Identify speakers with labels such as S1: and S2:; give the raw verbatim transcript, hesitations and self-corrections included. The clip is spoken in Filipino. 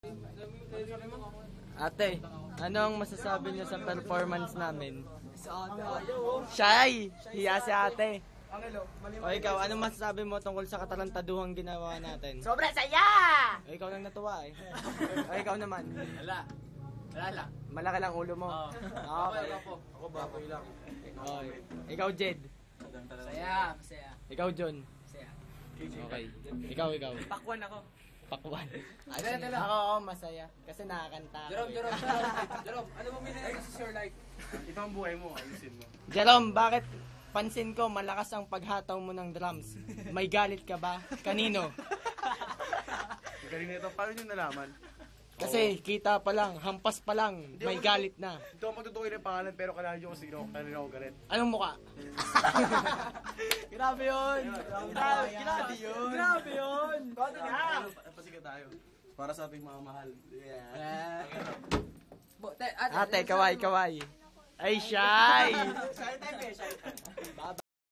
S1: Ate, anong masasabi niyo sa performance namin? Shy! Hiya si ate. O ikaw, anong masasabi mo tungkol sa katarantaduhang ginawa natin?
S2: Sobra saya!
S1: O ikaw lang natuwa eh. O ikaw naman.
S3: Wala. Wala lang.
S1: Malaki lang ulo mo.
S3: Oo.
S1: Okay.
S3: Ako, ako baboy lang.
S1: Okay. Ikaw Jed.
S2: Saya, masaya.
S1: Ikaw John.
S2: Masaya.
S1: Okay. Ikaw, ikaw.
S2: Pakwan ako.
S1: Pakwan.
S3: Ano, ano, ano?
S1: Ako, oo, masaya. Kasi nakakanta ako.
S3: Jerome,
S1: eh.
S3: Jerome, Jerome. Jerome, ano mo binili sa Sure Light?
S4: Ito ang buhay mo, ayusin mo.
S1: Jerome, bakit pansin ko malakas ang paghataw mo ng drums? May galit ka ba? Kanino?
S4: Galing na ito, paano nyo nalaman?
S1: Kasi kita pa lang, hampas pa lang, may galit na.
S4: Ito ang magtutukoy ng pangalan pero kailangan nyo kung sino, kanina ako galit.
S1: Anong muka?
S2: Grabe yun! Grabe, grabe yun! Grabe yun! Konti na!
S4: Pasikat tayo. Para sa ating mga mahal. Yeah.
S2: Bo- te- ate,
S1: Ate, kaway, kaway. Ay, shy!
S2: Shy type eh, shy type.